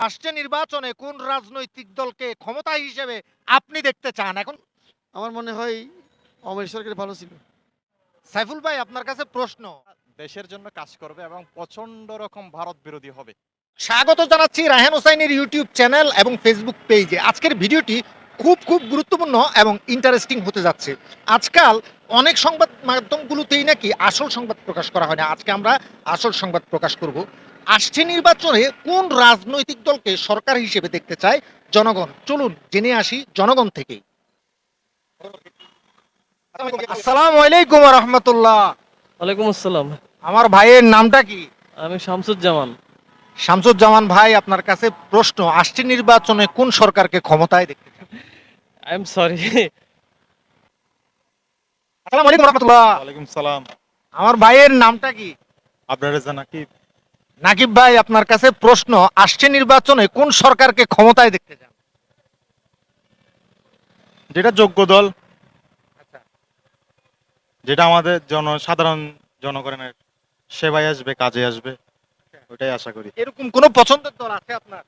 আসছে নির্বাচনে কোন রাজনৈতিক দলকে ক্ষমতা হিসেবে আপনি দেখতে চান এখন? আমার মনে হয় আওয়ামী লীগ সরকার ভালো ছিল। সাইফুল ভাই আপনার কাছে প্রশ্ন। দেশের জন্য কাজ করবে এবং প্রচন্ড রকম ভারত বিরোধী হবে। স্বাগত জানাচ্ছি রায়হান হোসাইনের ইউটিউব চ্যানেল এবং ফেসবুক পেজে। আজকের ভিডিওটি খুব খুব গুরুত্বপূর্ণ এবং ইন্টারেস্টিং হতে যাচ্ছে। আজকাল অনেক সংবাদ মাধ্যমগুলোতেই নাকি আসল সংবাদ প্রকাশ করা হয় না। আজকে আমরা আসল সংবাদ প্রকাশ করব। আসছে নির্বাচনে কোন রাজনৈতিক দলকে সরকার হিসেবে দেখতে চায় জনগণ? চলুন জেনে আসি জনগণ থেকে। আসসালামু আলাইকুম রহমতুল্লাহ। ওয়ালাইকুম আসসালাম। আমার ভাইয়ের নামটা কি? আমি শামসুজ্জামান। শামসুজ্জামান ভাই, আপনার কাছে প্রশ্ন, আসছে নির্বাচনে কোন সরকারকে ক্ষমতায় দেখতে চান? I am sorry. আসসালামু আলাইকুম রহমতুল্লাহ। ওয়ালাইকুম সালাম। আমার ভাইয়ের নামটা কি? আবরার রেজা নাকি? নাকিব ভাই, আপনার কাছে প্রশ্ন, আসছে নির্বাচনে কোন সরকারকে ক্ষমতায় দেখতে চান? যেটা যোগ্য দল, আচ্ছা, যেটা আমাদের সাধারণ জনগণের সেবায় আসবে, কাজে আসবে, ওটাই আশা করি। এরকম কোন পছন্দের দল আছে আপনার?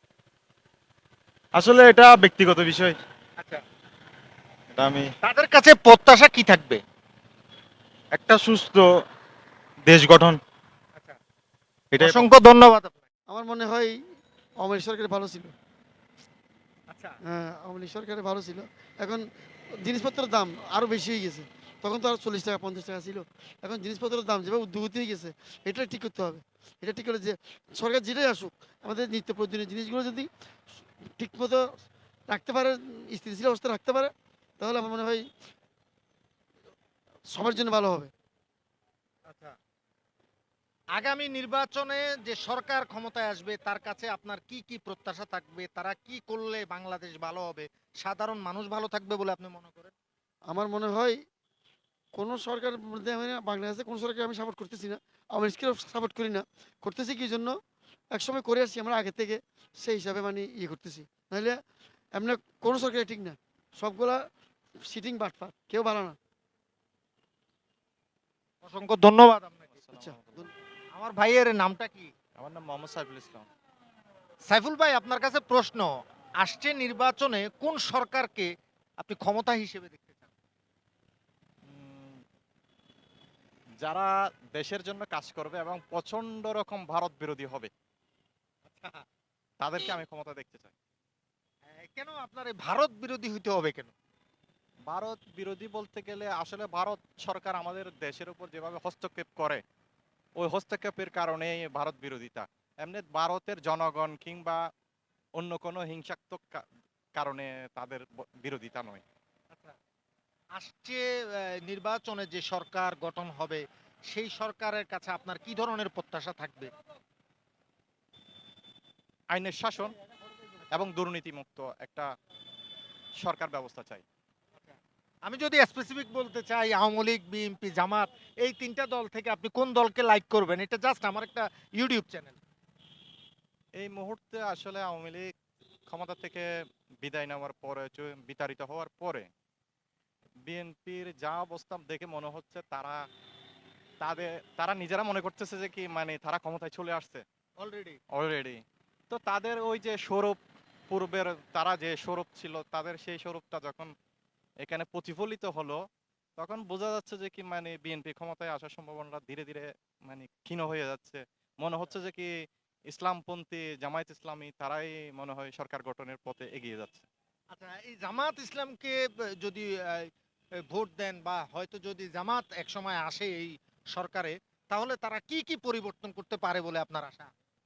আসলে এটা ব্যক্তিগত বিষয়। আচ্ছা, এটা আমি তাদের কাছে প্রত্যাশা কি থাকবে? একটা সুস্থ দেশ গঠন, আচ্ছা, এটাই। অসংখ্য ধন্যবাদ আপনাকে। আমার মনে হয় আওয়ামী লীগ সরকার ভালো ছিল। আচ্ছা, হ্যাঁ, আওয়ামী লীগ সরকার ভালো ছিল। এখন জিনিসপত্রের দাম আরও বেশি হয়ে গেছে। তখন তো আর 40 টাকা 50 টাকা ছিল। এখন জিনিসপত্রের দাম যেভাবে ঊর্ধ্বগতি হয়ে গেছে, এটা ঠিক করতে হবে। এটা ঠিক করে যে সরকার যেটাই আসুক, আমাদের নিত্য প্রয়োজনীয় জিনিসগুলো যদি ঠিকমতো রাখতে পারে, স্থিতিশীল অবস্থা রাখতে পারে, তাহলে আমার মনে হয় সবার জন্য ভালো হবে। আচ্ছা, আগামী নির্বাচনে যে সরকার ক্ষমতায় আসবে তার কাছে আপনার কি কি প্রত্যাশা থাকবে? তারা কি করলে বাংলাদেশ ভালো হবে, সাধারণ মানুষ ভালো থাকবে বলে আপনি মনে করেন? আমার মনে হয় কোনো সরকার মধ্যে আমি না, বাংলাদেশে কোনো সরকার আমি সাপোর্ট করতেছি না। আওয়ামী লীগকেও সাপোর্ট করি না। করতেছি কি জন্য? একসময় করে আসছি আমরা আগে থেকে, সেই হিসাবে মানে ইয়ে করতেছি। নাহলে এমনি কোনো সরকারই ঠিক না। সবগুলা সিটিং বাটপার, কেউ ভালো না। অসংখ্য ধন্যবাদ আপনাকে। আচ্ছা, আমার ভাইয়ের নামটা কি? আমার নাম মোহাম্মদ সাইফুল ইসলাম। সাইফুল ভাই, আপনার কাছে প্রশ্ন, আসছে নির্বাচনে কোন সরকারকে আপনি ক্ষমতা হিসেবে দেখতে চান? উম, যারা দেশের জন্য কাজ করবে এবং প্রচন্ড রকম ভারত বিরোধী হবে, তাদেরকে আমি ক্ষমতা দেখতে চাই। কেন আপনার এই ভারত বিরোধী হইতে হবে কেন? ভারত বিরোধী বলতে গেলে আসলে ভারত সরকার আমাদের দেশের উপর যেভাবে হস্তক্ষেপ করে, ওই হস্তক্ষেপের কারণেই ভারত বিরোধিতা। এমনি ভারতের জনগণ কিংবা অন্য কোনো হিংসাত্মক কারণে তাদের বিরোধিতা নয়। আচ্ছা, আসছে নির্বাচনে যে সরকার গঠন হবে সেই সরকারের কাছে আপনার কি ধরনের প্রত্যাশা থাকবে? আইনের শাসন এবং দুর্নীতিমুক্ত একটা সরকার ব্যবস্থা চাই। আমি যদি স্পেসিফিক বলতে চাই, আওয়ামী লীগ, বিএনপি, জামাত, এই তিনটা দল থেকে আপনি কোন দলকে লাইক করবেন? এটা জাস্ট আমার একটা ইউটিউব চ্যানেল। এই মুহূর্তে আসলে আওয়ামী লীগ ক্ষমতা থেকে বিদায় নেওয়ার পরে, বিতাড়িত হওয়ার পরে বিএনপির যা অবস্থা দেখে মনে হচ্ছে তারা নিজেরা মনে করতেছে যে কি মানে তারা ক্ষমতায় চলে আসছে অলরেডি অলরেডি। তো তাদের ওই যে স্বরূপ, পূর্বের তারা যে স্বরূপ ছিল, তাদের সেই স্বরূপটা যখন এখানে প্রতিফলিত হলো, তখন বোঝা যাচ্ছে যে কি মানে বিএনপি ক্ষমতায় আসার সম্ভাবনা ধীরে ধীরে মানে ক্ষীণ হয়ে যাচ্ছে। মনে হচ্ছে যে কি ইসলামপন্থী জামায়াত ইসলামী তারাই মনে হয় সরকার গঠনের পথে এগিয়ে যাচ্ছে। আচ্ছা, এই জামাত ইসলামকে যদি ভোট দেন বা হয়তো যদি জামাত একসময় আসে এই সরকারে, তাহলে তারা কি কি পরিবর্তন করতে পারে বলে আপনার আশা?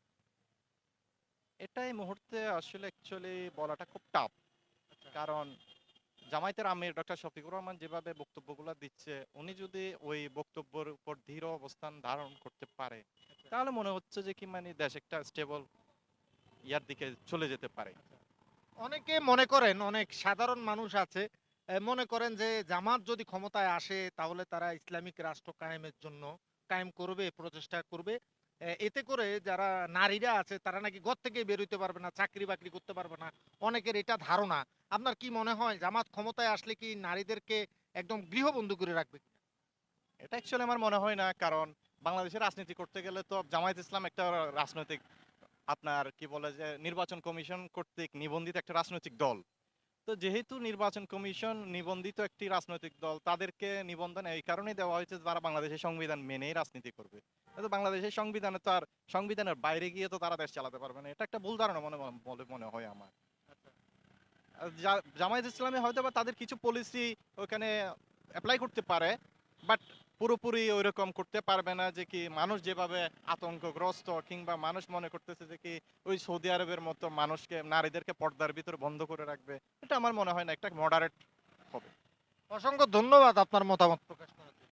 এটাই মুহূর্তে আসলে অ্যাকচুয়ালি বলাটা খুব টাফ। কারণ জামায়াতের আমির ডক্টর শফিকুর রহমান যেভাবে বক্তব্যগুলো দিচ্ছে, উনি যদি ওই বক্তব্যের উপর দৃঢ় অবস্থান ধারণ করতে পারে, তাহলে মনে হচ্ছে যে কি মানে দেশ একটা স্টেবল ইয়ার দিকে চলে যেতে পারে। অনেকে মনে করেন, অনেক সাধারণ মানুষ আছে মনে করেন যে জামাত যদি ক্ষমতায় আসে তাহলে তারা ইসলামিক রাষ্ট্র কায়েমের জন্য কায়েম করবে, প্রচেষ্টা করবে। এতে করে যারা নারীরা আছে তারা নাকি ঘর থেকে বের হইতে পারবে না, চাকরি বাকরি করতে পারবে না। অনেকের এটা ধারণা। আপনার কি মনে হয় জামাত ক্ষমতায় আসলে কি নারীদেরকে একদম গৃহবন্দী করে রাখবে? এটা অ্যাকচুয়ালি আমার মনে হয় না, কারণ বাংলাদেশের রাজনীতি করতে গেলে তো জামায়াত ইসলাম একটা রাজনৈতিক আপনার কি বলে যে নির্বাচন কমিশন কর্তৃক নিবন্ধিত একটা রাজনৈতিক দল। তো যেহেতু নির্বাচন কমিশন নিবন্ধিত একটি রাজনৈতিক দল, তাদেরকে নিবন্ধন এই কারণেই দেওয়া হয়েছে যে তারা বাংলাদেশের সংবিধান মেনেই রাজনীতি করবে। তো বাংলাদেশের সংবিধানে তো আর সংবিধানের বাইরে গিয়ে তো তারা দেশ চালাতে পারবে না। এটা একটা ভুল ধারণা বলে মনে হয় আমার। আর জামায়াত ইসলামী হয়তো বা তাদের কিছু পলিসি ওখানে অ্যাপ্লাই করতে পারে, বাট পুরোপুরি ওইরকম করতে পারবে না যে কি মানুষ যেভাবে আতঙ্কগ্রস্ত কিংবা মানুষ মনে করতেছে যে কি ওই সৌদি আরবের মতো মানুষকে নারীদেরকে পর্দার ভিতরে বন্ধ করে রাখবে। এটা আমার মনে হয় না, একটা মডারেট হবে। অসংখ্য ধন্যবাদ আপনার মতামত প্রকাশ করার জন্য।